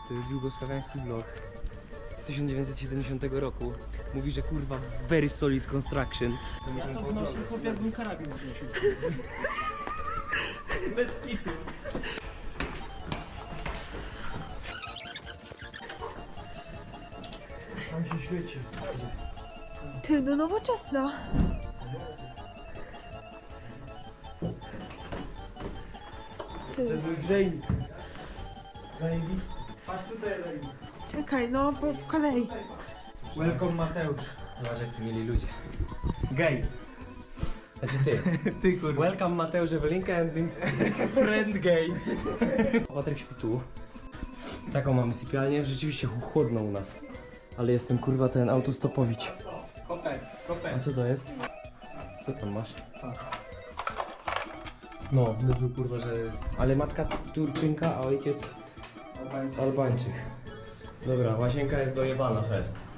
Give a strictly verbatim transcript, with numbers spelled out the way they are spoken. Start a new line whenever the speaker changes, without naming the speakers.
To jest jugosławiański vlog z tysiąc dziewięćset siedemdziesiątego roku. Mówi, że kurwa very solid construction. Co
Ja to wnosił chłop, jakbym karabin wnosił. Bez kitu.
Tam się świeci.
Ty, no nowoczesna.
To
Ty,
jest mój grzejnik. Zajebisty. Patrz tutaj, Leni.
czekaj, no po kolei.
Welcome Mateusz.
Zobacz, jacy mieli ludzie.
Gej.
Znaczy ty.
Ty kurwa.
Welcome Mateusz Ewelinka and friend gay. Patryk śpi tu. Taką mamy sypialnię. Rzeczywiście chłodno u nas. Ale jestem kurwa ten autostopowicz.
Kopek, kopek.
A co to jest? Co tam masz? No, mówił kurwa, że... Ale matka Turczynka, a ojciec Albańczyk. Dobra, łazienka jest dojebana fest.